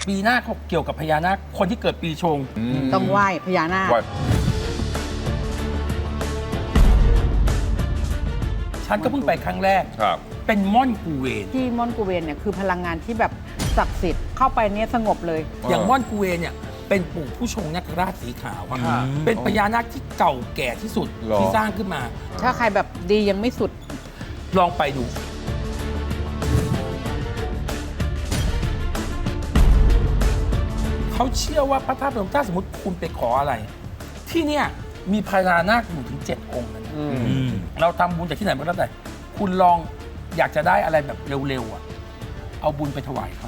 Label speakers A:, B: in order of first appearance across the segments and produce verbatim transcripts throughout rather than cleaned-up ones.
A: ปีหน้าเขาเกี่ยวกับพญานาคคนที่เกิดปีชง
B: ต้องไหว้พญานาค
A: ฉันก็เพิ่งไปครั้งแรกเป็นม่อนกูเวน
B: ที่ม่อนกูเวนเนี่ยคือพลังงานที่แบบศักดิ์สิทธิ์เข้าไปเนี่ยสงบเลย
A: อย่างม่อนกูเวนเนี่ยเป็นปู่ผู้ชงนาคราชสีขาวเป็นพญานาคที่เก่าแก่ที่สุดที่สร้างขึ้นมา
B: ถ้าใครแบบดียังไม่สุด
A: ลองไปดูเขาเชื่อว่าพระธาตุพนมถ้าสมมติคุณไปขออะไรที่เนี่ยมีพญานาคอยู่ถึงเจ็ดองค์นะเราทำบุญจากที่ไหนมาแล้วแต่คุณลองอยากจะได้อะไรแบบเร็วๆอ่ะเอาบุญไปถวายเขา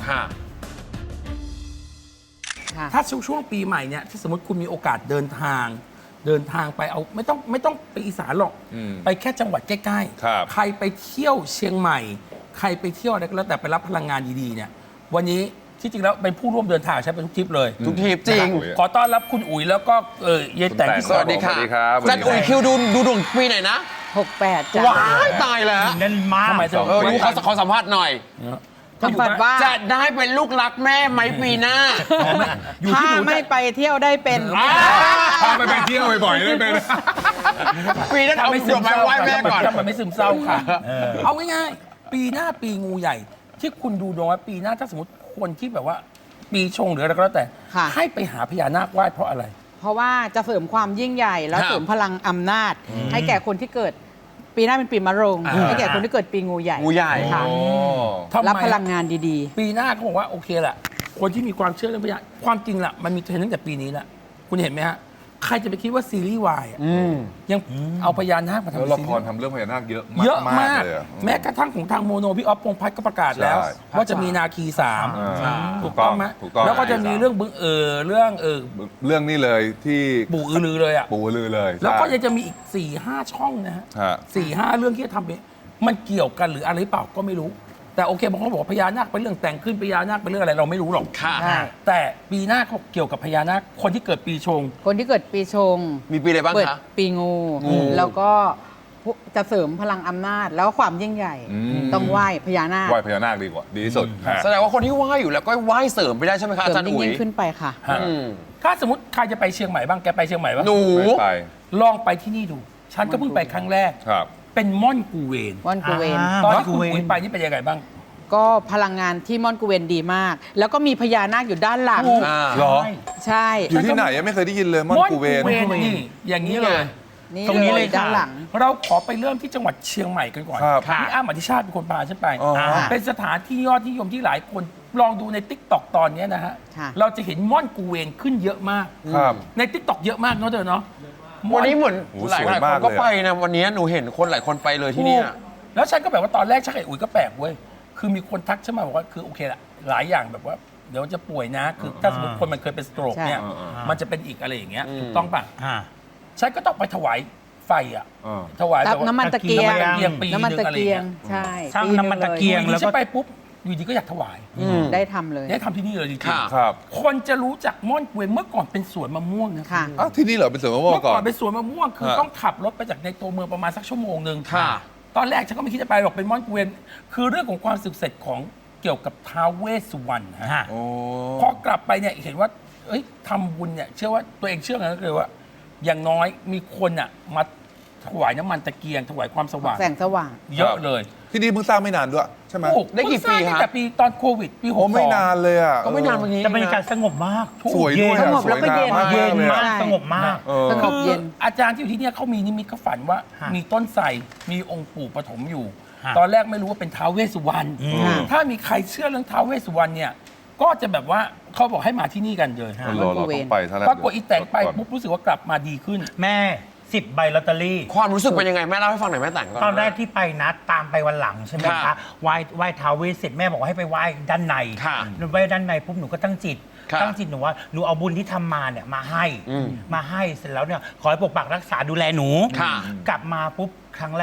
A: ถ้าช่วงปีใหม่เนี่ยที่สมมติคุณมีโอกาสเดินทางเดินทางไปเอาไม่ต้องไม่ต้องไปอีสานหรอกไปแค่จังหวัดใกล้ๆใครไปเที่ยวเชียงใหม่ใครไปเที่ยวอะไรก็แล้วแต่ไปรับพลังงานดีๆเนี่ยวันนี้ที่จริงแล้วเป็นผู้ร่วมเดินทางใช้เป็นทุกทริปเลย
C: ทุกทริปจริง
A: ขอต้อนรับคุณอุ๋ยแล้วก็เออเย็นแต่ง
C: สวัสดีค่ะจัดอุ๋ยคิวดูดูดวงปีไหนนะ
B: หกแปดจ้ะ
C: ว้ายตายแล้ว
D: นั่นมาก
A: ทำไม
C: เออดูเขาขอสัมภาษณ์หน่อย
B: สัมภาษณ์ว่า
C: จะได้เป็นลูกรักแม่ไหมปีหน้า
B: ถ้าไม่ไปเที่ยวได้เป็น
C: ถ้าไม่ไปเที่ยวบ่อยๆได้เป็นปีหน้าเอาดอกไม้ไหว้แม่ก่อน
A: มันไม่ซึมเศร้าค่ะเอาง่ายๆปีหน้าปีงูใหญ่ที่คุณดูดวงว่าปีหน้าถ้าสมมติคนที่แบบว่าปีชงหรืออะไรก็แล้วแต่ให้ไปหาพญานาคไหว้เพราะอะไร
B: เพราะว่าจะเสริมความยิ่งใหญ่แล้วเสริมพลังอำนาจให้แก่คนที่เกิดปีหน้าเป็นปีมะโรงให้แก่คนที่เกิดปีงูใหญ่
C: งูใหญ่
B: ค่ะรับพลังงานดี
A: ๆปีหน้าเขาบอกว่าโอเคแหละคนที่มีความเชื่อเรื่องพญาความจริงละมันมีเทรนด์ตั้งแต่ปีนี้แหละคุณเห็นไหมฮะใครจะไปคิดว่าซีรีส์วายยังเอาพญานาคมาทำ
E: แล้วละครทำเรื่องพญานาคเยอะ
A: เยอะมาก
E: เลย
A: แม้กระทั่งของทางโมโนพี่อ๊อฟพงษ์พัฒน์ก็ประกาศแล้วว่าจะมีนาคีสามถูกต้องไหมแล้วก็จะมีเรื่องบึงเออเรื่องเออ
E: เรื่องนี้เลยที่
A: ปู่อือลือเลยอ่ะ
E: ปู่อือลือเลย
A: แล้วก็ยังจะมีอีกสี่ห้าช่องนะฮะสี่ห้าเรื่องที่จะทำมันเกี่ยวกันหรืออะไรเปล่าก็ไม่รู้แต่โอเคบางคนบอกพญานาคเป็นเรื่องแต่งขึ้นพญานาคเป็นเรื่องอะไรเราไม่รู้หรอกแต่ปีหน้าเขาเกี่ยวกับพญานาคคนที่เกิดปีชง
B: คนที่เกิดปีชง
C: มีปีอะไรบ้างคะ
B: ปีงูแล้วก็จะเสริมพลังอำนาจแล้วความยิ่งใหญ่ต้องไหว้พญานาค
E: ไหว้พญานาคดีกว่าดีที่สุด
C: แสดงว่าคนที่ไหว้อยู่แล้วก็ไหว้เสริมไปได้ใช่ไหมคะอาจารย์อุ๋ย
B: ยิ่งขึ้นไปค่ะ
A: ถ้าสมมติใครจะไปเชียงใหม่บ้างแกไปเชียงใหม่บ้าง
C: หนู
A: ลองไปที่นี่ดูฉันก็เพิ่งไปครั้งแรกเป็นม่อนกูเวน
B: ม่อนกูเวน
A: ตอนที่คุณอุ๋ยไปนี่เป็นยังไงบ้าง
B: ก็พลังงานที่ม่อนกูเวนดีมากแล้วก็มีพญานาคอยู่ด้านหลัง
E: หรอ
B: ใช่
E: อยู่ที่ไหนยังไม่เคยได้ยินเลยม่อนกูเวน
A: นี่อย่างนี้เลย
B: ตรงนี้เลยด้านหลัง
A: เราขอไปเริ่มที่จังหวัดเชียงใหม่กันก่อนพี่อ้ำอธิชาติเป็นคนพาฉันไปเป็นสถานที่ยอดนิยมที่หลายคนลองดูใน ติ๊กต็อก ตอนนี้นะฮะเราจะเห็นม่อนกูเวนขึ้นเยอะมากใน ติ๊กต็อก เยอะมากเนาะเธอเนาะ
C: วันนี้เหมือนหลายคนก็ไปนะวันนี้หนูเห็นคนหลายคนไปเลยที่นี่
A: แล้วฉันก็แบบว่าตอนแรกชักไอ้อุ๋ยก็แปลกเว้ยคือมีคนทักฉันมาบอกว่าคือโอเคละหลายอย่างแบบว่าเดี๋ยวจะป่วยนะคือถ้าสมมติคนมันเคยเป็นสโตรกเนี่ยมันจะเป็นอีกอะไรอย่างเงี้ยถูกต้องป่ะฉันก็ต้องไปถวายไฟอ่ะถวาย
B: น้ำมันตะเกียง
A: ปี
B: นึงอะไรเงี้ยใช่
D: สร้างน้ำมันตะเกียง
A: แล้วก็ไปปุ๊บอยู่ดีก็อยากถวาย
B: ได้ทำเลย
A: ได้ทำที่นี่เลยจริงๆคนจะรู้จักม่อนกูเวนเมื่อก่อนเป็นสวนมะม่วงนะ
B: ค่ะ
E: ที่นี่เหรอเป็นสวนมะม่วงก่อน
A: เมื่อก่อนเป็นสวนมะม่วงคือต้องขับรถไปจากในตัวเมืองประมาณสักชั่วโมงนึงตอนแรกฉันก็ไม่คิดจะไปหรอกเป็นม่อนกูเวนคือเรื่องของความสึกเสร็จของเกี่ยวกับท้าวเวสสุวรรณฮะพอกลับไปเนี่ยเห็นว่าเอ้ยทำบุญเนี่ยเชื่อว่าตัวเองเชื่อกันก็คือว่าอย่างน้อยมีคนอ่ะมาถวายน้ำมันตะเกียงถวายความสว่าง
B: แสงสว่าง
A: เยอะเลย
E: ที่นี่เพิ่งสร้างไม่นานด้วยใช่ไหม
A: ได้กี่ปีครับแต่ปีตอนโควิดปีหกสอง
E: ไม่นานเลยอ่ะ
C: ก็ไม่นานวันนี้
D: จะบรรยากาศสงบมาก
E: สวยด้วย
B: สงบแล้วก็เย็น
D: เย็นมากสงบมาก
B: สงบเย็น
A: อาจารย์ที่อยู่ที่นี่เขามีนิมิตเขาฝันว่ามีต้นไทรมีองค์ปู่ปฐมอยู่ตอนแรกไม่รู้ว่าเป็นท้าวเวสสุวรรณถ้ามีใครเชื่อเรื่องท้าวเวสสุวรรณเนี่ยก็จะแบบว่าเขาบอกให้มาที่นี่กันเลย
E: เราต้องไป
A: ปรากฏอีแต่งไปปุ๊บรู้สึกว่ากลับมาดีขึ้น
D: แม่สิบใบลอตเตอรี่
C: ความรู้สึกเป็นยังไงแม่เล่าให้ฟังหน่อยแม่แต่งก่อน
D: ตอนแรกที่ไปนัดตามไปวันหลังใช่ไหมคะไหว้ไหว้ท้าวเวสเสร็จแม่บอกว่าให้ไปไหว้ด้านในไหว้ด้านในปุ๊บหนูก็ตั้งจิตตั้งจิตหนูว่าหนูเอาบุญที่ทำมาเนี่ยมาให้มาให้เสร็จแล้วเนี่ยขอให้ปกปักรักษาดูแลหนูกลับมาปุ๊บครั้งแรก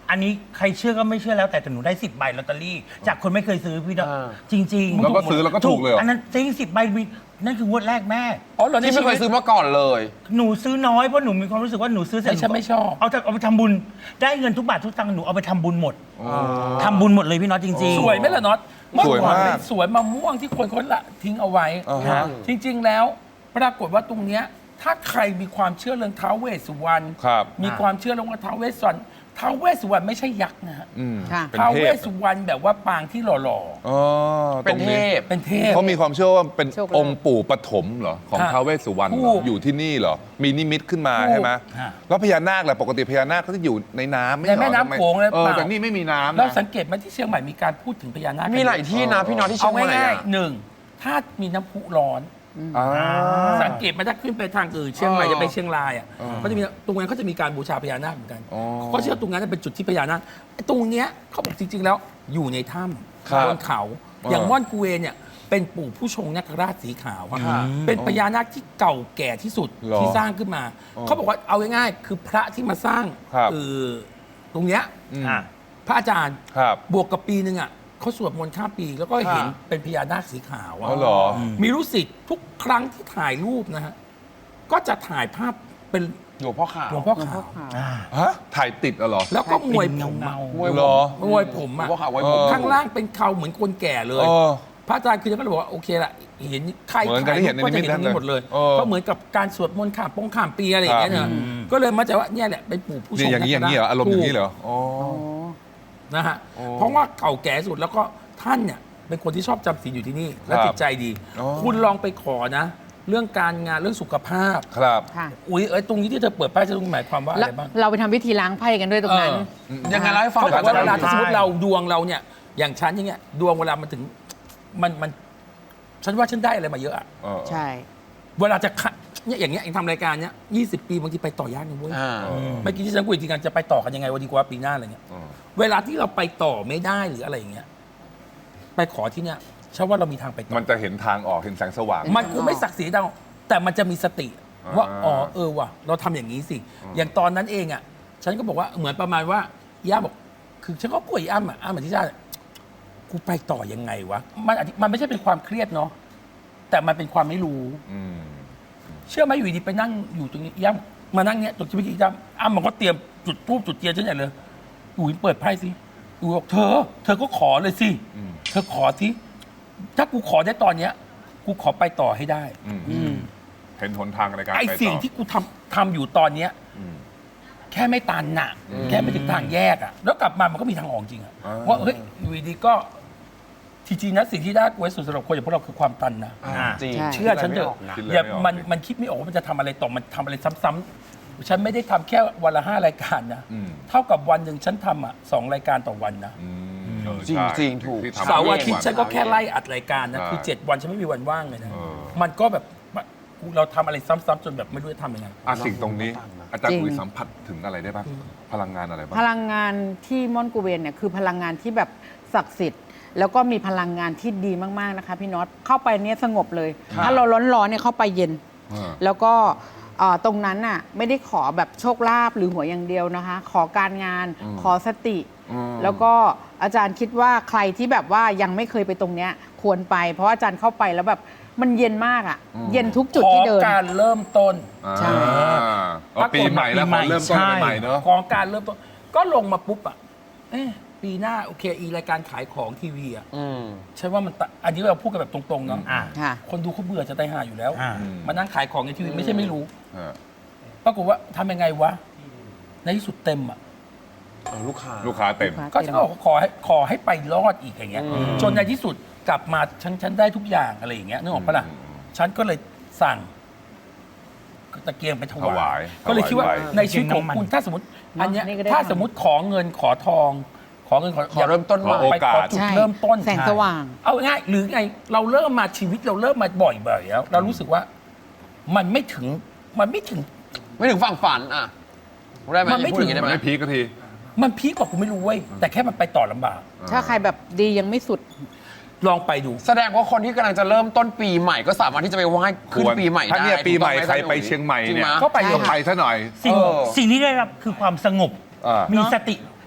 D: อันนี้ใครเชื่อก็ไม่เชื่อแล้วแต่แต่หนูได้สิบใบลอตเตอรี่ จากคนไม่เคยซื้อพี่ดอก
C: อ่า
D: จริงๆ
E: แล้วก็ซื้อแล้วก็ถูกเลยเหรอ
D: อันนั้นจริงสิบใบมีนั่นคืองวดแรกแม่
A: อ๋อเหรอใน
C: ที่
A: ชี
C: ไม่เค
A: วิ
C: ย
A: ต
C: ซื้อมาก่อนเลย
D: หนูซื้อน้อยเพราะหนูมีความรู้สึกว่าหนูซื้อเสร็จ
A: ไม่ฉันไม่ชอบ
D: เอาจะเอาไปทำบุญ ได้เงินทุกบาททุกตังค์หนูเอาไปทำบุญหมดทำบุญหมดเลยพี่น็อตจริงๆ
A: สวยไหมล่ะน็อต
E: สวยมาก
A: เอก่อนเป็นสวนมะม่วงที่คนเขาละทิ้งเอาไว้
E: อ่าฮะ
A: จริง ๆ แล้วปรากฏว่าตรงเนี้ยถ้าใครมีความเชื่อเรื่องท้าวเวสสุวรรณ
E: ครับ
A: มีความเชื่อเรื่องว่าท้าวเวสสุวรรณท้าวเวสสุวรรณไม่ใช่ยักษ์นะฮะ
E: อืม
B: ค่ะ
E: เป็น
A: ท้าว
E: เท
A: เว
E: พ
A: สสุวรรณแบบว่าปางที่หล่อ
E: อ๋อ
C: เป็นเทพ
A: ๆเป็นเทพ
E: เขามีความเชื่อว่าเป็น
B: โชคลาภ
E: องค์ปู่ปฐมเหรอของ
A: ค่ะ
E: ท้าวเวสสุวรรณเหร
A: ถู
E: อก อยู่ที่นี่เหรอมีนิมิตขึ้นมา
A: ถูก
E: ใช่ไหม
A: ค่ะ
E: แล้วพญานาคแหละปกติพญานาคเขาจะอยู่ในน้ำไม่
A: ใน
E: ใช่เหรอ
A: แม่น้ำ
E: ทำไ
A: โขงเลย
E: เออ
A: เปล่า
E: แต่นี่ไม่มีน้ำ
A: แล้ว
E: นะ
A: สังเกตไหมที่เชียงใหม่มีการพูดถึงพญานาค
C: มีหลายที่นะพี่น็อตที่เชี
A: เอา
C: ยงใหม่
A: ง่าย
C: อะ
A: ๆหนึ่งถ้ามีน้ำพุร้อน
E: อ่า
A: สังเกตไหมถ้าขึ้นไปทางอื่นเชียงใหม่
C: เออ
A: จะไปเชียงรายอ่ะ
E: เออ
A: เขาจะมีตรงนั้นเขาจะมีการบูชาพญานาคเหมือนกัน
E: อ๋อ
A: เขาเชื่อตรงนั้นเป็นจุดที่พญานาคไอ้ตรงเนี้ยเขาบอกจริง ๆ แล้วอยู่ในถ้
E: ครับ
A: ำบนเขา
E: ออ
A: อย่างม่อนกูเวนเนี่ยเป็นปู่ผู้ชงนคราชสีขาวอะ
E: ค่ะ
A: เป็นพญานาคที่เก่าแก่ที่สุด
E: เหรอ
A: ที่สร้างขึ้นมา
E: อ๋อ
A: เขาบอกว่าเอาง่ายๆคือพระที่มาสร้าง
E: ครับ
A: เออตรงเนี้ย
E: อืม
D: อ่ะ
A: พระอาจารย์
E: ครับ
A: บวกกับปีหนึ่งอ่ะเขาสวดมนต์ข้ามปีแล้วก็เห็นเป็นพญานาคสีขาว
E: อ๋
A: อะ
E: อเหรอ
A: มีรู้สิทธิ์ทุกครั้งที่ถ่ายรูปนะฮะ ก็จะถ่ายภาพเป็น
C: หลวงพ่อขาว
A: หลวงพ่อ
B: หลวง
A: ขา
B: พ่อ
A: ว
B: ขาว
E: ฮะถ่ายติดอะเหรอ
A: แล้วก็มวยผม
D: เงา
A: อะ
D: ๆ
C: มวย
E: เหรอ
A: มวยผม
C: หลวง
A: อะ
C: พ่อขาวไว้ผม
E: เออ
A: ข้างล่างเป็นเขาเหมือนคนแก่เลย
E: เออ
A: พระอาจารย์คือก็เลยบอกว่าโอเคละเห็นใคร
E: เหมือนกับที่เห็นใน
A: ก็จะ
E: นิมิ
A: เห็
E: ต
A: น
E: นั่
A: ตรง
E: นเลย
A: นี้หมดเลย
E: เออ
A: ก็เหมือนกับการสวดมนต์ข้ามปงข้ามปีอะไรอย่างเงี้ยเนอะก็เลยมาใจว่าเนี่ยแหละเป็นปู่ผู้ช
E: นี่
A: ง
E: อย่างนี้อย่างนี้เหรออารมณ์อย่างนี้เหรออ๋อ
B: อ๋อ
A: นะฮะ
E: โอ้
A: เพราะว่าเก่าแก่สุดแล้วก็ท่านเนี่ยเป็นคนที่ชอบจำศีลอยู่ที่นี่ และ
E: ครับ
A: จิตใจดี
E: อ๋อ
A: คุณลองไปขอนะ เรื่องการงานเรื่องสุขภาพ
E: ครับ
B: ค่ะ
A: อุ้ยเอ้ยตรงนี้ที่เธอเปิดป้ายจะต้องหมายความว่าอะ
B: แล้ว
A: ไรบ้าง
B: เราไปทำพิธีล้างไพ่กันด้วยตรงนั้น
A: เออ
C: ยังไงเล่าให้ฟัง
A: เขาบอกว่า
C: หน่
A: เว
C: อย
A: ลา
C: ครับ
A: ที่สมมติเราดวงเราเนี่ย อย่างฉันอย่างเงี้ยดวงเวลามันถึงมันมัน ฉันว่าฉันได้อะไรมาเยอะอะ
E: เออ
B: ใช่
A: เวลาจะขะเนี่ยอย่างเงี้ยเองทำรายการเนี้ยยี่สิบปีบางทีไปต่อยากนะเว้ย
C: อ่า
A: เมื่อกี้ที่ฉันคุยทีกันจะไปต่อกันยังไงวันดีกว่าปีหน้าอะไรเงี้ย
E: เออ
A: เวลาที่เราไปต่อไม่ได้หรืออะไรอย่างเงี้ยไปขอที่เนี่ยฉันว่าเรามีทางไปต่อ
E: มันจะเห็นทางออกเห็นแสงสว่าง
A: มันคงไม่ศักดิ์ศรีดังแต่มันจะมีสติ
E: อ่า
A: ว่าอ๋อเออว่ะเราทำอย่างนี้สิ อย่างตอนนั้นเองอ่ะ ฉันก็บอกว่าเหมือนประมาณว่าย่าบอก คือฉันก็ป่วยอ้ำอ่ะอ้ำอธิชาติกูไปต่อยังไงวะมันอธิมันไม่ใช่เป็นความเครียดเนาะแต่มันเป็นความไม่รู้
E: อืม
A: เชื่อไหมอยู่ดีไปนั่งอยู่ตรงนี้ย่ำมานั่งเนี้ยตรงที่เมื่อกี้ย่ำอ้ำมันก็เตรียมจุดทูบจุดเทียนฉันใหญ่เลยอุ๋ยเปิดไพ่สิอุ๋ยบอกเธอ เธอก็ขอเลยสิ
E: อืม
A: เธอขอสิถ้ากูขอได้ตอนเนี้ย กูขอไปต่อให้ได้
E: อืมเห็นหนทางในการ
A: ไอ้
E: ไปต่อ
A: สิ่งที่กูทำทำอยู่ตอนเนี้ย
E: อืม
A: แค่ไม่ตันน่ะ แค่ไม่ถึงทางแยกอ่ะ แล้วกลับมามันก็มีทางออกจริงอ่ะ
E: อ่า
A: ว่าเฮ้ยอยู่ดีๆก็ทีจริงนะสิ่งที่น่ากลัวที่สุดสำหรับคนอย่างพวกเราคือความตันนะ
C: อ่าจริง
B: ใช่
A: เชื่อฉันเถอะ
E: คิดเลย
A: อย่า
E: ไม่ออก
A: มัน
E: ดิ
A: มันคิดไม่ออกว่ามันจะทำอะไรต่อมันทำอะไรซ้ำๆฉันไม่ได้ทำแค่วันละห้ารายการนะ
E: อืม
A: เท่ากับวันหนึ่งฉันทำอ่ะสองรายการต่อวันนะ
E: อืมเออ
C: จริง
E: ใช่
C: จริงถูก
E: ที่ทำ
A: เสาร์อาทิตย์
E: ทุ
A: ฉันก็แค่ไล่อัดรายการนะ
E: ใช่
A: คือเจ็ดวันฉันไม่มีวันว่างเลยนะ
E: เออ
A: มันก็แบบเราทำอะไรซ้ำๆจนแบบไม่รู้จะทำยังไง
E: อ่ะสิ่งตรงนี้ อาจารย์
B: จริง
E: อุ๋ยสัมผัสถึงอะไรได้บ้างพลังงานอะไรบ้าง
B: พลังงานที่ม่อนกูเวนเนี่ยคือพลังงานที่แบบศักดิ์สิทธิ์ แล้วก็มีพลังงานที่ดีมากๆนะคะพี่น็อตเข้าไปเนี่ยสงบเลย ถ้าเราร้อนๆเนี่ยเข้าไปเย็น
E: อ่า
B: แล้วก็เอ่อตรงนั้นน่ะไม่ได้ขอแบบโชคลาภหรือหวยอย่างเดียวนะคะ ขอการงาน
E: อืม
B: ขอสติ
E: อืม
B: แล้วก็อาจารย์คิดว่าใครที่แบบว่ายังไม่เคยไปตรงเนี้ยควรไป เพราะว่าอาจารย์เข้าไปแล้วแบบมันเย็นมากอ่ะ เย็นทุกจุดที่เดิน
A: ขอการเริ่มต้น
B: ใช่
E: อ่าอ๋อปีใหม่แล้วพอเริ่มต้นใหม่ๆเนอะ
A: ของการเริ่มต้น ก็ลงมาปุ๊บอ่ะเอ๊ะปีหน้าโอเคอีรายการขายของทีวีอ่ะ
C: อืม
A: ฉันว่ามันตะอันนี้เราพูดกันแบบตรงๆเนาะ
D: อ่า
B: ค่ะ
A: คนดูเขาเบื่อจะตายห่าอยู่แล้ว
D: อ่า
A: มานั่งขายของในทีวีไม่ใช่ไม่รู้
E: อ่า
A: ปรากฏว่าทำยังไงวะ ในที่สุดเต็มอ่ะ
C: เอาลูกค้า
E: ลูกค้าเต็ม
B: ลูกค้า
A: ก็ฉันก็บอกว่าขอให้ขอให้ไปรอดอีกอย่างเงี้ย
C: อืม
A: จนในที่สุดกลับมาฉันฉันได้ทุกอย่างอะไรอย่างเงี้ยนึกออกปะล่ะ
E: อืม
A: ฉันก็เลยสั่งตะเกียงไปถ
E: ถวาว
A: าย
E: ย
A: ก็เลยคิดว่า
E: ถวาย
A: ในชีวิตของคุณถ้าสมมติ อันเนี้ย
B: นี่ก็ได้
A: ถ้าสมมติขอเงินขอทอง ขอเงินขอ
C: ขอเริ่มต้นใหม่
A: ไปขอจุด
B: ใช่
A: เริ่มต้น
B: แสงสว่าง
A: เอาง่ายหรือไงเราเริ่มมาชีวิตเราเริ่มมาบ่อยๆแล้วเรารู้สึกว่า มันไม่ถึงมันไม่ถึง
C: ไม่ถึงฝั่งฝันอ่ะได้ไหม
A: มันไม่
C: พูดอย่าง
A: ถึง
C: นี้
E: มัน
C: ได้ไหม
E: ไม่พีคก็ที
A: มันพีคกว่ากูไม่รู้เว้ยแต่แค่มันไปต่อลำบาก
B: ถ้าใครแบบดียังไม่สุด
A: ลองไปดู
C: แสดงว่าคนที่กำลังจะเริ่มต้นปีใหม่ก็สามารถที่จะไปไหว้ขึ้น
E: ควร
C: ปีใหม่ได้
E: ถ้าเนี่ยปีใหม่
C: ถูกต้อง
E: ใครไป
C: อาจาอุ๋
E: เชียงใหม่
C: จริ
E: เนี่ย
C: ไห
A: ก็ไป
B: ใช่
E: ก็ไปซะหน่อย
D: สิ่ง
C: เออ
D: สิ่งที่ได้รับคือความสงบ
E: อ่ามี
D: มีสติ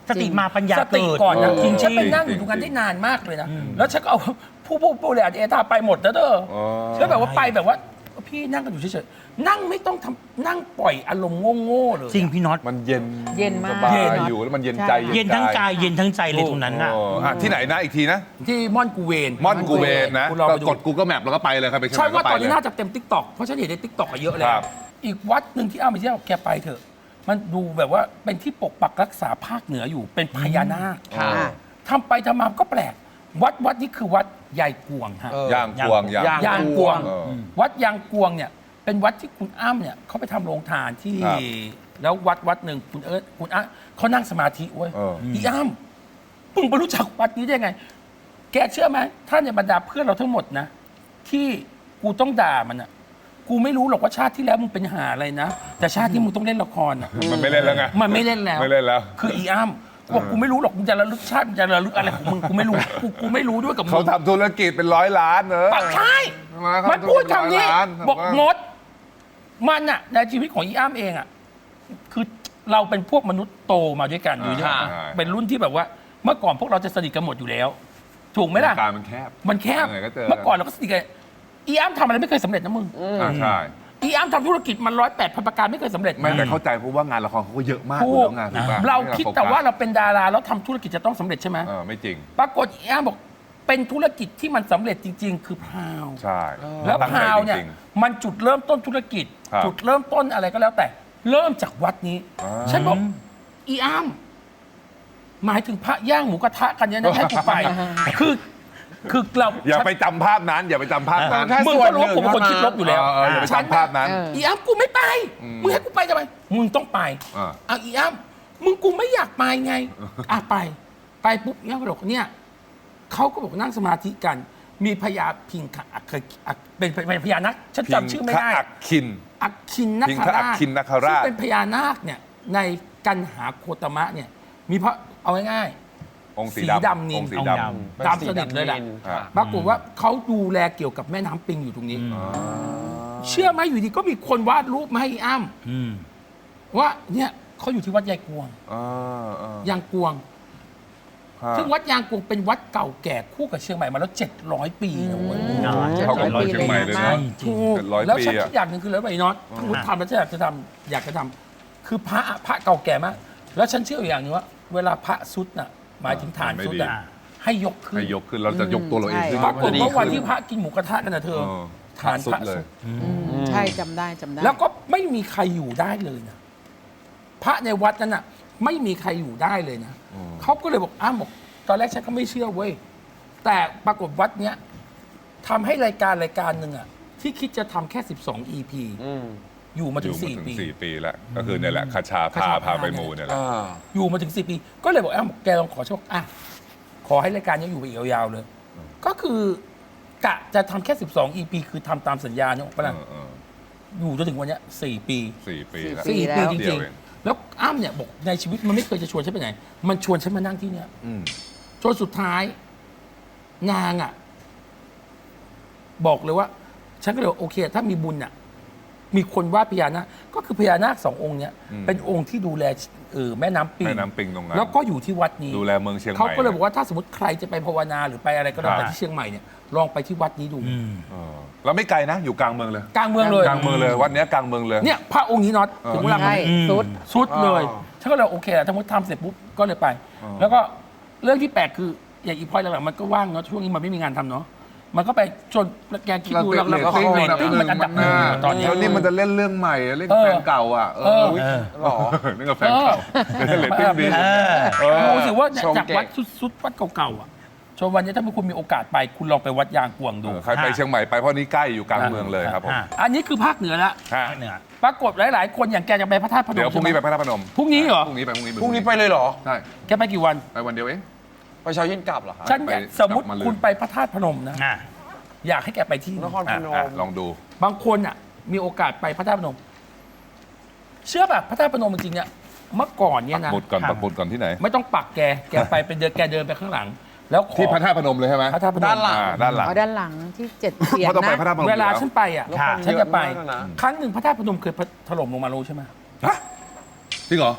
D: สติมาปัญญา
A: สติ
D: เกิด
A: ก่อนนะ
E: เออ
A: จริงฉันไป
E: จริง
A: นั่งอยู่ตรงนั้นได้นานมากเลยนะ แล้วฉันก็เอาผู้ผู้ผู้เลยเอตาไปหมดนะเด้อ
E: อ๋อ
A: แล้วแบบว่าไปแบบว่าพี่นั่งกันอยู่เฉยๆนั่งไม่ต้องทำนั่งปล่อยอารมณ์โง่ๆเลย
D: จริงพี่น็อต
E: มันเย็น
B: เย็นมาก
E: สบาย
B: เย็น
E: อยู่แล้วมันเย็น
B: ใช่
E: ใจ
D: เย็นทั้งกายเย็นทั้งใจเลยตรงนั้นน่ะ
E: โอ้อ่ะที่ไหนนะอีกทีนะ
A: ที่ม่อนกูเวน
E: ม่อนกูเวนนะ
A: คุณลอง
E: ก็
A: ไปดู
E: กด Google Map แล้วก็ไปเลยครับไปเชียงให
A: ใช่
E: ม่ก็
A: ว่า
E: ไป
A: ตอน
E: เล
A: นี้
E: ย
A: น่าจะเต็มทิกตอกเพราะฉันเห็นในทิกตอกเยอะแล้
E: คว รับ
A: อีกวัดหนึ่งที่อ้าไปเที่ยวแกไปเถอะ มันดูแบบว่าเป็นที่ปกปักรักษาภาคเหนืออยู่เป็นพญานาค
C: ค่ะ
A: ทำไปทำมาก็แปลก วัดวัดนี้คือวัดยายกวงฮะ
C: เออ
E: ย่างกวงย่าง
C: ย่าง
A: ยางกวง
E: เออ
A: วัดยางกวงเนี่ยเป็นวัดที่คุณอ้ำเนี่ยเขาไปทำโรงทานที่
E: ครับ
A: แล้ววัดวัดหนึ่งคุณเอิร์ธคุณอ้ำเขานั่งสมาธิเว้ย
E: เออ
A: อีอ้ำมึงไปรู้จักวัดนี้ได้ไง แกเชื่อไหมท่านในบรรดาเพื่อนเราทั้งหมดนะ ที่กูต้องด่ามันอ่ะกูไม่รู้หรอกว่าชาติที่แล้วมึงเป็นหาอะไรนะ แต่ชาติที่มึงต้องเล่นละครอ่ะ
E: มันไม่เล่นแล้วไง
A: มันไม่เล่นแล้ว
E: ไม่เล่นแล้ว
A: คืออีอ้ำบอกกูไม่รู้หรอกมึงจะระลึกชาติมึงจะระลึกอะไรของมึงกูไม่รู้กูกูไม่รู้ด้วยกับมึง
E: เขาทำธุรกิจเป็นร้อยล้านเนอะ
A: ปากใช่
E: มาเขา
A: มันพูดคำนี้
E: ร้อยล้าน
A: บอก
E: ผมว่า
A: มด มันอะในชีวิตของอีอ้ามเองอะคือเราเป็นพวกมนุษย์โตมาด้วยกันอยู่ด้วย
E: อ่า
A: เป็นรุ่นที่แบบว่า เมื่อก่อนพวกเราจะสนิทกันหมดอยู่แล้ว ถูกไหมล่ะ
E: การมันแคบ
A: มันแคบ
E: ยังไงก็เจอ
A: เมื่อก่อนเราก็สนิทกันอีอ้ามทำอะไรไม่เคยสำเร็จนะมึง
E: อ่าใช่
A: อีอ้ามทำธุรกิจมันร้อยแปดพันประการไม่เคยสำเร็จ
E: ไม่แต่เข้าใจเพราะว่างานละครเขาก็เยอะมาก
A: ถู
E: อยู่
A: ก
E: แล้วงานถูกปะ
A: เราคิดแต่ว่า
E: ไม่
A: เราเป็นดาราแล้วทำธุรกิจจะต้องสำเร็จใช่ไหม
E: เออไม่จริง
A: ปรากฏอีอ้ามบอกเป็นธุรกิจที่มันสำเร็จจริง ๆ คือพราว
E: ใช่
A: แล้ว
E: ตั้ง
A: พ
E: ใจ
A: ราวเนี่ย
E: จริง
A: มันจุดเริ่มต้นธุรกิจ
E: ครับ
A: จุดเริ่มต้นอะไรก็แล้วแต่ เริ่มจากวัดนี้
E: อ่า
A: ฉันบอกอีอ้ามหมายถึงพระย่างหมูกระทะกันเนี่ยนะให้กูไป คือคือเรา
E: อย่าไปจำภาพนั้น อย่าไปจำภาพนั้น
C: แค่
A: มึง
C: ส่ว
A: ก็
C: น
A: รู้ว่า
C: หนึ่
A: กู
C: ง
A: เป็นคนคิดลบอยู่แล้ว
E: เออเอออย่าไป
A: ฉัน
E: จำภาพนั้น
B: เออ
A: อีอ้ามกูไม่ไป
E: อืม
A: มึงให้กูไปทำไมมึงต้องไป
E: อ่า
A: เอาอีอ้ามมึงกูไม่อยากไปไงอ่ะไป ไปปุ๊บเนี่ยก็บอกเนี่ยเขาก็บอกนั่งสมาธิกัน มีพญาพิงคะอักเคยอักเป็นเป็นพญานาคฉันจำชื่อไม่ได้
E: พิงคะอักคิน
A: อักคินน
E: พิง
A: ค
E: คะอั
A: ราก ช
E: คินนคราช
A: ซึ่งเป็นพญานาคเนี่ยในกันหาโคตมะเนี่ยมีพระเอาง่าย
E: องค์สี
A: สี
E: ดำ
A: ดำนิน
E: องค์สี
D: องค์
E: ด
D: ด
A: ๆตามสนิทเลยแหละ
E: อ่า
A: ปรากฏว่าเขาดูแลเกี่ยวกับแม่น้ำปิงอยู่ตรงนี้
E: อ๋อ
A: เชื่อไหมอยู่ดีก็มีคนวาดรูปมาให้อ้ำ
D: อืม
A: ว่าเนี่ยเขาอยู่ที่วัดยายกวง
E: อ่าอ่าย
A: างกวง
E: ฮะ
A: ซึ่งวัดยางกวงเป็นวัดเก่าแก่คู่กับเชียงใหม่มาแล้วเจ็ดร้อยปีนะเว้ย
D: อ่า
E: เท่ากับ
B: ร้อย
E: เชียงใหม่เลย
B: ปี
E: นะ
B: เลยนะ
A: ถูก
E: เจ็ดร้อย
A: แล้ว
E: ปี
A: ฉัน
E: อะ
A: คิดอย่างหนึ่งคือแล้วไอ้น็อตถ้าสมมติทำแล้วฉันอยากจะทำอยากจะทำคือพระอะพระเก่าแก่มาก แล้วฉันเชื่ออย่างหนึงว่า เวลาพระสุดน่ะหมายถึงฐานสุดอ่ะให้ยกขึ้น
E: ให้ยกขึ้นเราจะยกตัวเราเองขึ้น
A: ปรากฏว่าวันที่
E: พ
A: พระกินหมูกระทะกันนะเธอ
E: เออ
A: ฐานพระ
E: เล
A: สุ
E: ย
A: ด
B: อืมใช่จำได้จำได้
A: แล้วก็ไม่มีใครอยู่ได้เลยนะพระในวัดนั้นน่ะ ไม่มีใครอยู่ได้เลยนะ
E: อืม
A: เขาก็เลยบอกอ้าวบอกตอนแรกฉันก็ไม่เชื่อเว้ยแต่ปรากฏวัดเนี้ยทำให้รายการรายการหนึ่งอ่ะที่คิดจะทำแค่สิบสอง อี พี
C: อืม
A: อยู่มา
E: อ
A: ถึ
E: ยู่
A: ง
E: มา
A: สี่
E: ถึง
A: ปี
E: สี่ปีแล้ว ก็คือเนี่ยแหละคาชา
A: คา
E: พา
A: ชา
E: พา
A: พา
E: ไปมูเนี่ยแหละ
C: อ่า
A: อยู่มาถึงสี่ปี ก็เลยบอกอ้าวแกลองขอโชคอ่ะขอให้รายการนี้อยู่ไปอีกยาวๆเลย ก็คือกะจะทำแค่สิบสอง อี พี คือทำตามสัญญาเนี่ยปะล่ะ
E: เออเออ
A: อยู่จนถึงวันเนี้ยสี่ปี
E: สี่ปีแล้ว
B: สี่
A: สี่
B: แล้ว
A: ปีจ
E: เดี
A: ริ
E: ย
A: ง
E: วเอง
A: ๆ แล้วอ้ำเนี่ยบอกในชีวิตมันไม่เคยจะชวนฉันไปไหน มันชวนฉันมานั่งที่เนี่ย
E: อืม
A: จนสุดท้าย นางอ่ะ บอกเลยว่า ฉันก็เลยบอกโอเค ถ้ามีบุญอ่ะ มีคนวาดพญานาคก็คือพญานาคสององค์เนี้ย
E: อืม
A: เป็นองค์ที่ดูแลเออแม่น้ำปิง
E: แม่น้ำปิงตรงนั้น
A: แล้วก็อยู่ที่วัดนี้
E: ดูแลเมืองเชียงใหม่
A: เขาก็เลยบอกว่าถ้าสมมติใครจะไปภาวนาหรือไปอะไรก็แล้วแต่
E: ครับ
A: ที่เชียงใหม่เนี่ยลองไปที่วัดนี้ดู
D: อืม
E: เออแล้วไม่ไกลนะ อยู่กลางเมืองเลย
A: กลางเมืองเลย
E: กลางเมืองเลยวัดเนี้ยกลางเมืองเลย
A: เนี่ยพระองค์นี้น็อตถึงเวลา
B: ใช่
D: อืม
B: สุด
A: สุดเลย
C: อ๋อ
A: ฉันก็เลยโอเคแหละถ้ามุติทำเสร็จปุ๊บก็เลยไป
E: อ๋อ
A: แล้วก็เรื่องที่แปลกคืออย่างอีพอยหลังๆมันก็ว่างเนาะช่วงนี้มันไม่มีงานทำเนาะมันก็ไปจนแกคิดดูแล้วแล้วก็เรตติ้งมันอันดับหนึ่งอยู่ตอนเนี้ย
E: แล้วนี่มันจะเล่นเรื่องใหม่เล่น
A: เออ
E: แฟนเก่าอ่ะ เอ
A: เอ
E: อ
A: อ
C: หรอ
E: นี่กับแฟนเก่าเล่นเรตติ้งดี
D: เออ
E: เออ
A: ดูสิว่าเนี่ย
C: ชม
A: จาก
C: เก่ง
A: วัดสุดๆวัดเก่าๆอ่ะจนวันนี้ถ้าคุณมีโอกาสไป คุณลองไปวัดยางกวงดู
E: เออใครไปเชียงใหม่ไปเพราะนี่ใกล้อยู่กลางเมืองเลยครับผม
D: อ่ะ
A: อันนี้คือภาคเหนือละ
E: ฮะ
D: เหนือ
A: ปรากฏหลาย ๆ คนอย่างแกจะไปพระธาตุพนม
E: เดี๋ยวพรุ่งนี้ไปพระธาตุพนม
A: พรุ่งนี้เหรอ
E: พรุ่งนี้ไปพรุ่งนี้
C: พรุ่งนี้ไปเลยเหรอ
E: ใช่
A: แกไปกี่วัน
E: ไปวันเดียวเอง
C: ไปเช้าเย็นกลับเหรอคะ
A: ฉันเนี่ย
E: ไป
A: สมมติ
E: กลับมาเลย
A: คุณไปพระธาตุพนมนะ
D: อ่ะ
A: อยากให้แกไปที่
C: นครพ
E: อ่ะ
C: น
E: อ่ะ
C: ม
E: ลองดู
A: บางคนอ่ะ มีโอกาสไปพระธาตุพนม เชื่อแบบพระธาตุพนมจริงๆเนี่ยเมื่อก่อนเนี่ยนะ
E: หมุดก่อนปักหมุดก่อนที่ไหน
A: ไม่ต้องปักแกแกไปเป็นเดินแกเดินไปข้างหลัง แล้วขอ
E: ที่พระธาตุพนมเลยใช่ไหม
A: พระธาตุพนม
C: ด้านหลัง
E: อ่าด้านหลัง
B: เอาด้านหลังที่เจ็ดเสียง
E: เพราะต้องไป
B: นะ
E: พระธาตุพนม
A: เวลา
E: อยู่แ
A: ฉันไปอ่ะ
C: แล้วคน
A: ฉันจะไป
C: เยอะมากนะ
A: ครั้งหนึ่งพระธาตุพนมเคยถล่มลงมารู้ใช่ไหม
E: ฮะจริงเหรอ
A: เ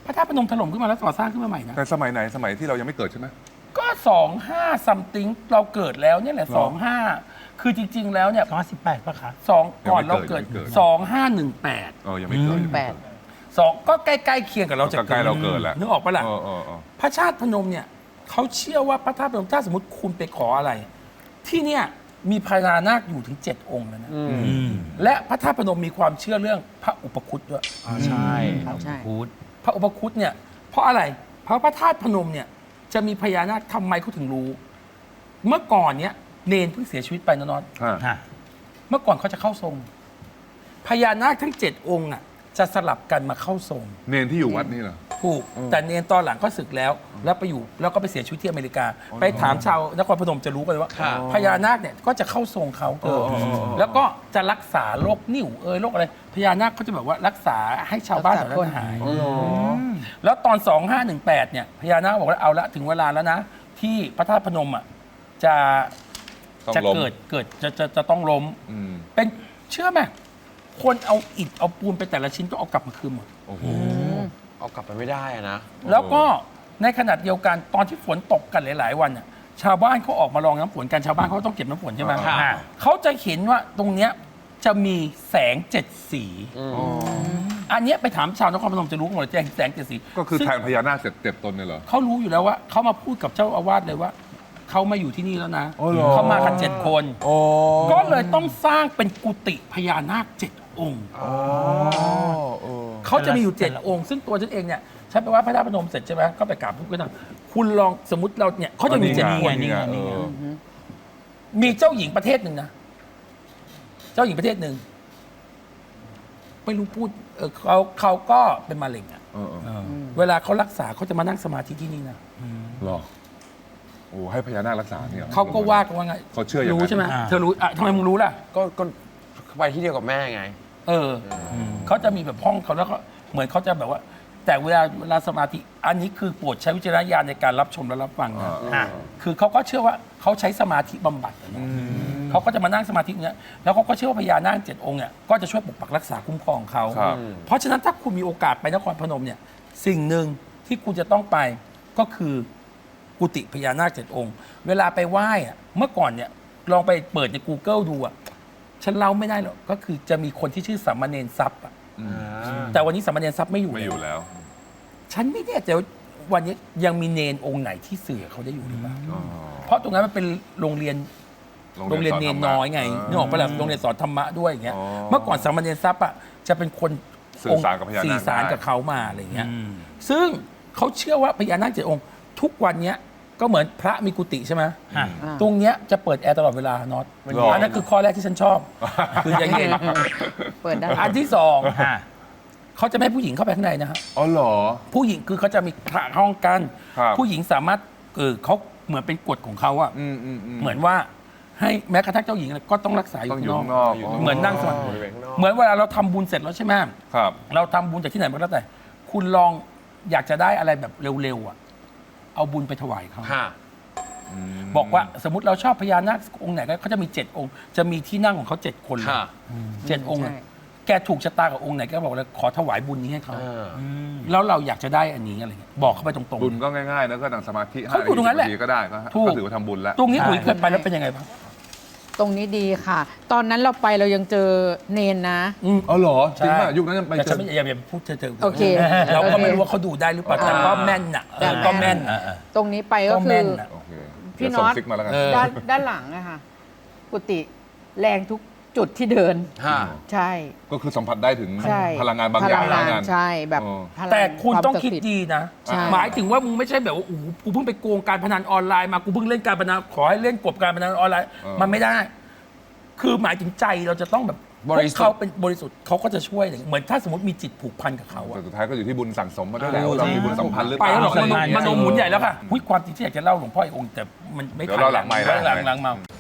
A: พระธาตุพนมถล่มขึ้นมาแล้วก่อสร้างขึ้นมาใหม่นะ
E: แต่สมัยไหนสมัยที่เรายังไม่เกิดใช่ไหม
A: ก็สองห้าซัมติงเราเกิดแล้วเนี่ยแหละสองห้าคือจริง ๆ แล้วเนี่ย
D: สองพันสิบแปดป่ะคะ
A: สองก่อนเราเกิด
E: ยังไม่เกิด
A: สองห้าหนึ่งแปด
E: เออยังไม่เกิด
B: แปด
A: สองก็ใกล้ๆเคียงกับเราจะ
E: ใกล้ๆเราเกิดแล้ว
A: นึกออกปะล่ะ
E: เออเออเออ
A: พระชาติพนมเนี่ยเขาเชื่อว่าพระธาตุพนมถ้าสมมติคุณไปขออะไร ที่เนี่ยมีพญานาคอยู่ถึงเจ็ดองค์แล้วนะและพระธาตุพนมมีความเชื่อเรื่องพระอุปคุตด้วย
C: ใช่
B: ใช่
D: พูด
A: พระอุปคุตเนี่ยเพราะอะไร เพราะพระธาตุพนมเนี่ยจะมีพญานาคทำไมเขาถึงรู้ เมื่อก่อนเนี่ยเนนเพิ่งเสียชีวิตไปนะนอน
E: ฮะ
D: ฮะ
A: เมื่อก่อนเขาจะเข้าทรง พญานาคทั้งเจ็ดองค์อ่ะจะสลับกันมาเข้าทรง
E: เนนที่อยู่วัดนี่เหรอ
A: ถูกแต่เนนตอนหลังก็ศึกแล้ว แล้วไปอยู่แล้วก็ไปเสียชีวิตที่อเมริกา ไปถามชาวนครพนมจะรู้กันเลยว่า
C: ค่ะ
A: พญานาคเนี่ยก็จะเข้าทรงเขาเออ
E: อ๋ออ๋ออ๋อ
A: แล้วก็จะรักษาโรคนิ่วเอยโรคอะไรพญานาคเขาจะแบบว่ารักษาให้ชาวบ้านแถวนั้นหาย แล้วตอน สองห้าหนึ่งแปด เนี่ยพญานาคบอกว่าเอาละถึงเวลาแล้วนะ ที่พระธาตุพนมอ่ะจะ
E: ต้อง
A: จะ
E: ล้ม
A: เกิดเกิดจะจะจะต้องล้ม
E: อืม
A: เป็นเชื่อไหมคนเอาอิฐเอาปูนไปแต่ละชิ้นต้องเอากลับมาคืนหมด
E: โอ้โห
C: เอากลับไปไม่ได้อะนะ
A: แล้วก็ในขณะเดียวกันตอนที่ฝนตกกันหลาย ๆ วันน่ะชาวบ้านเขาออกมาลองน้ำฝนกันชาวบ้านเขาต้องเก็บน้ำฝนใช่ไหม
C: ค่ะ
A: เขาจะเห็นว่าตรงเนี้ยจะมีแสงเจ็ดสี อันเนี้ยไปถามชาวนครพนมจะรู้หมดเลยแจ้งแสงเจ็ดสี
E: ก็คือ
A: ซึ่ง
E: แทนพญานาคเจ็ดเจ็ดตนเนี่ยเหรอ
A: เขารู้อยู่แล้วว่าเขามาพูดกับเจ้าอาวาสเลยว่าเขามาอยู่ที่นี่แล้วนะ
E: อ๋อเหรอ
A: เขามากันเจ็ดคน
E: โอ้
A: ก็เลยต้องสร้างเป็นกุฏิพญานาคเจ็ดองค์
E: อ๋อเออ
A: เขาจะมีอยู่เจ็ดองค์ ซึ่งตัวฉันเองเนี่ยฉันไปไหว่าพระธาตุพนมเสร็จใช่ไหมก็ไปกราบพระพุทธรูปคุณลองสมมติเราเนี่ยเขาจะมีเจ็ด
E: นี่
A: ค
E: ไง
A: น
E: นี่ไงเออ
A: มีเจ้าหญิงประเทศหนึ่งนะ เจ้าหญิงประเทศหนึ่งไม่รู้พูดเออเขาเขาก็เป็นมะเร็งอะ
E: เออเออ
A: เวลาเขารักษาเขาจะมานั่งสมาธิที่นี่นะ
E: หรอโอ้ให้พญานาครักษาเนี่ยหรอ
A: เขาก็ว่ากันว่าไง
E: เขาเชื่ออย่างนั้น
A: รู้ใช่ไหมเธอรู้อ่ะทำไมมึงรู้ล่ะ
C: ก็ก็ไปที่เดียวกับแม่ไง
A: เอออเขาจะมีแบบห้องเขาแล้วก็เหมือนเขาจะแบบว่า แต่เวลาเวลาสมาธิอันนี้คือโปรดใช้วิจารณญาณในการรับชมและรับฟังนะ
D: ฮะ
A: คือเขาก็เชื่อว่าเขาใช้สมาธิบำบัดอะเนาะเขาก็จะมานั่งสมาธิเนี้ยแล้วเขาก็เชื่อว่าพญานาคเจ็ดองค์เนี่ยก็จะช่วยปกปักรักษาคุ้มครองเขา
E: ครับ
A: เพราะฉะนั้นถ้าคุณมีโอกาสไปนครพนมเนี่ยสิ่งหนึ่งที่คุณจะต้องไปก็คือกุฏิพญานาคเจ็ดองค์ เวลาไปไหว้อะเมื่อก่อนเนี่ยลองไปเปิดใน Google ดูอะฉันเล่าไม่ได้หรอกก็คือจะมีคนที่ชื่อสามเณรทรัพย์อะแต่วันนี้สามเณรทรัพย์ไม่อยู่
E: ไม่อยู่แล้ว
A: ฉันไม่แน่ใจว่าวันนี้ยังมีเนนองค์ไหนที่เสือเขาได้อยู่หรือเปล่า
E: อ๋อ
A: เพราะตรงนั้นมันเป็นโรงเรียน โรงเรียนเนนน้อยไงนึกออกปะล่ะโรงเรียนสอนธรรมะด้วยอย่างเงี้ย
E: อ๋อ
A: เมื่อก่อนสามเณรทรัพย์อ่ะจะเป็นคน
E: สื่อสารกับพญานาค
A: สื่อสารกับเขามาอะไรเงี้ยซึ่งเขาเชื่อว่าพญานาคเจ็ดองค์ ทุกวันเนี้ยก็เหมือนพระมีกุฏิใช่ไหม
D: ฮะ
A: ตรงเนี้ยจะเปิดแอร์ตลอดเวลาน็อต
E: หรออั
A: อันนั้นคือข้อแรกที่ฉันชอบ คืออย่างเย็น
B: เปิดได้
A: อันที่สอง
D: ฮะ
A: เขาจะไม่ให้ผู้หญิงเข้าไปข้างในนะฮะ
E: อ๋อเหรอ
A: ผู้หญิงคือเขาจะมีพระห้องกัน
E: ครับ
A: ผู้หญิงสามารถเออเขาเหมือนเป็นกฎของเขาอะ
E: อืมอืมอืม
A: เหมือนว่าให้แม้กระทั่งเจ้าหญิงก็ต้องรักษาอยู่
E: ต้อง
A: ข้าง
E: อยู่
A: นอก
E: ข้างนอก
A: เหมือนนั่งสมาธิ
C: บริเวณข้างนอก
A: เหมือนเวลาเราทำบุญเสร็จแล้วใช่ไหม
E: ครับ
A: เราทำบุญจากที่ไหนมันก็แล้วแต่ คุณลองอยากจะได้อะไรแบบเร็วๆอ่ะ เอาบุญไปถวายเขา
C: ค่ะ
A: บอกว่าสมมติเราชอบพญานาคองค์ไหนก็เขาจะมีเจ็ดองค์ จะมีที่นั่งของเขาเจ็ดคนเลย
C: ค่ะ
A: เจ็ดองค์
B: ใช่
A: อะแกถูกชะตากับองค์ไหนก็บอกเลยขอถวายบุญนี้ให้เขา
C: เออ
A: แล้วเราอยากจะได้อันนี้อะไรเงี้ยบอกเขาไปตรงๆ
E: บุญก็ง่ายๆนะก็นั่งสมาธิ
A: เขาอยู่ตรงนั้นแหละ
E: าทีก็ได้ก็
A: ถูก
E: ก็ถือว่าทำบุญแล้ว
A: ตรงนี้อุ๋ยเคยไปแล้วเป็นยังไงบ้าง
B: ตรงนี้ดีค่ะ ตอนนั้นเราไปเรายังเจอเนนนะ
A: อืม
E: อ๋อเหรอจริงป่ะยุคนั้นยังไป
A: แต่
E: เจ
A: ฉัน
E: อ
A: ไม่อย่าอย่าพูดเธอเธอ
B: โอเค
A: เราก็ไม่รู้ว่าเขาดูได้หรือเปล่าแต่ก็แม่นน่ะเออก็แม่น
B: ตรงนี้ไปก็
A: ก็
B: คื
A: แม่
B: อน
A: น่ะ
E: โอเค
B: พี่
E: เดี๋ยวส่ง
B: น็อต
E: ซิกมาแล้วกัน
A: เออ
B: ด้านด้านหลังอะค่ะกุฏิแรงทุกจุดที่เดิน
C: ค่ะ
B: ใช่
E: ก็คือสัมผัสได้ถึง
B: ใช่
E: พลังงานบางอย่าง
B: พลังงาน
E: งาน
B: ใช่แบบ
E: เออ
B: พลัง
A: แต่คุณต้อง
B: วามศัก
A: คิด
B: ดิ์สิทธิ์
A: ดีนะ
B: ใช่
A: หมายถึงว่ามึงไม่ใช่แบบว่าโอ้โหกูเพิ่งไปโกงการพนันออนไลน์มากูเพิ่งเล่นการพนันขอให้เล่นกบการพนันออนไลน์
E: เออ
A: มันไม่ได้ คือหมายถึงใจเราจะต้องแบบ
C: บริสุทธิ์
A: พวกเขาเป็นบริสุทธิ์เขาก็จะช่วยอย่างเหมือนถ้าสมมติมีจิตผูกพันกับเขาอะ
E: แต่สุดท้ายก็อยู่ที่บุญสั่งสมมาด้วยแหละว่าเรามีบุญสัมพันธ์หรือเป
A: ไป
E: ล่า
A: แล้วหรอกมโน
D: ใช่
A: มโนหมุนใหญ่แล้วค่ะหุ้ยความจริงที่อยากจะเล่าหลวงพ่ออีกองค์แต่มันไม่
E: เดี๋ยวเล่าหลังไมค์
A: หลัง
E: นะ
A: หลังหลังเมา